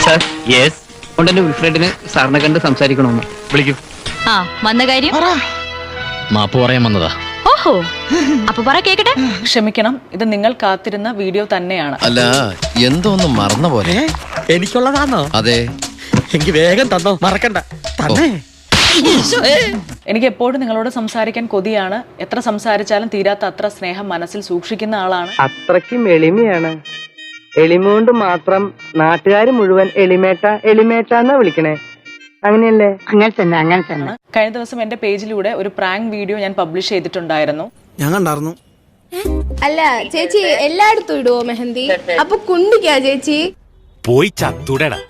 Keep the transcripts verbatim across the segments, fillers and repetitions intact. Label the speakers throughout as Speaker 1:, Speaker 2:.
Speaker 1: Sir yes ഉടനെ വിൽഫ്രഡിന് സാറിനെ കണ്ട് സംസാരിക്കണമെന്ന് വിളിക്കൂ.
Speaker 2: ആ വന്ന കാര്യം
Speaker 3: മാപ്പ് പറയാൻ വന്നതാ.
Speaker 2: ഓഹോ അപ്പൊ പറ കേക്കട്ടെ.
Speaker 4: ക്ഷമിക്കണം, ഇത് നിങ്ങൾ കാത്തിരുന്ന വീഡിയോ തന്നെയാണ്.
Speaker 5: അല്ല എന്തോ ഒന്ന് മറന്ന പോലെ.
Speaker 6: എനിക്കുള്ളതാണോ?
Speaker 5: അതെ.
Speaker 6: എനിക്ക് വേഗം തന്നോ, മറക്കണ്ട. തന്നെ
Speaker 4: എനിക്ക് എപ്പോഴും നിങ്ങളോട് സംസാരിക്കാൻ കൊതിയാണ്. എത്ര സംസാരിച്ചാലും തീരാത്ത അത്ര സ്നേഹം മനസ്സിൽ സൂക്ഷിക്കുന്ന ആളാണ്.
Speaker 7: അത്രയ്ക്കും എളിമയാണ്. എളിമ കൊണ്ട് മാത്രം നാട്ടുകാർ മുഴുവൻ എളിമേട്ട എളിമേട്ട എന്നാ വിളിക്കണേ. അങ്ങനെയല്ലേ? അങ്ങനെ തന്നെ അങ്ങനെ തന്നെ.
Speaker 4: കഴിഞ്ഞ ദിവസം എന്റെ പേജിലൂടെ ഒരു പ്രാങ്ക് വീഡിയോ ഞാൻ പബ്ലിഷ് ചെയ്തിട്ടുണ്ടായിരുന്നു.
Speaker 6: ഞാൻ കണ്ടായിരുന്നു.
Speaker 8: അല്ല ചേച്ചി എല്ലായിടത്തും ഇടുവോ മെഹന്തി? അപ്പൊ കുണ്ടിക്കാ ചേച്ചി
Speaker 9: പോയി ചത്തുടടാ.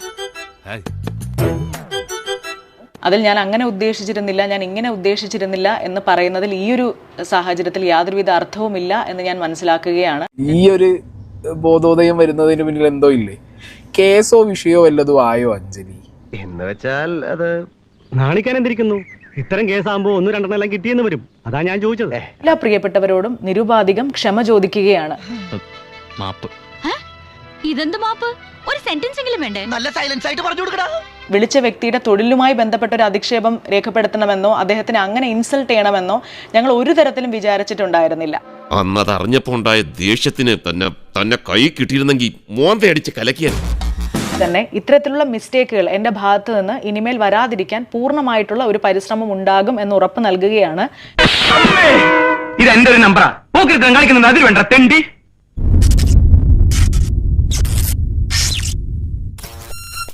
Speaker 4: അതിൽ ഞാൻ അങ്ങനെ ഉദ്ദേശിച്ചിരുന്നില്ല, ഞാൻ ഇങ്ങനെ ഉദ്ദേശിച്ചിരുന്നില്ല എന്ന് പറയുന്നതിൽ ഈ ഒരു സാഹചര്യത്തിൽ യാതൊരുവിധ അർത്ഥവുമില്ല എന്ന് ഞാൻ മനസ്സിലാക്കുകയാണ്.
Speaker 10: ഈ ഒരു ബോധോദയം വരുന്നതിന് പിന്നിൽ എന്തോ ഇല്ലേ? കേസോ വിഷയോ വല്ലതും ആയോ അഞ്ജലി?
Speaker 1: എന്ന് വെച്ചാൽ അത്
Speaker 9: നാണിക്കാൻ എന്തിരിക്കുന്നു? ഇത്തരം കേസാകുമ്പോ ഒന്നും രണ്ടെണ്ണം കിട്ടിയെന്ന് വരും. അതാ ഞാൻ ചോദിച്ചത്.
Speaker 4: എല്ലാ പ്രിയപ്പെട്ടവരോടും നിരുപാധികം ക്ഷമ ചോദിക്കുകയാണ്.
Speaker 3: മാപ്പ്.
Speaker 2: ഇതെന്ത് മാപ്പ്? ഒരു സെന്റൻസ് എങ്കിലും വേണ്ടേ?
Speaker 6: നല്ല സൈലൻസ് ആയിട്ട് പറഞ്ഞു കൊടുക്കടാ.
Speaker 4: വിളിച്ച വ്യക്തിയുടെ തൊഴിലുമായി ബന്ധപ്പെട്ട ഒരു അധിക്ഷേപം രേഖപ്പെടുത്തണമെന്നോ അദ്ദേഹത്തിന് അങ്ങനെ ഇൻസൾട്ട് ചെയ്യണമെന്നോ ഞങ്ങൾ ഒരു തരത്തിലും വിചാരിച്ചിട്ടുണ്ടായിരുന്നില്ല.
Speaker 11: അന്നത് അറിഞ്ഞപ്പോ ഉണ്ടായ ദേഷ്യത്തിന് തന്നെ തന്നെ കൈ കിട്ടിയിരുന്നെങ്കിൽ മോന്തയടിച്ച് കലക്കിയാൽ
Speaker 4: തന്നെ ഇത്തരത്തിലുള്ള മിസ്റ്റേക്കുകൾ എൻ്റെ ഭാഗത്ത് നിന്ന് ഇനിമേൽ വരാതിരിക്കാൻ പൂർണ്ണമായിട്ടുള്ള ഒരു പരിശ്രമം ഉണ്ടാകും എന്ന് ഉറപ്പ് നൽകുകയാണ്.
Speaker 1: ഇത് എന്റെ ഒരു നമ്പറാ. പോക്കിരുത്തം കളിക്കുന്നത് അതിൽ വേണ്ട തെണ്ടി.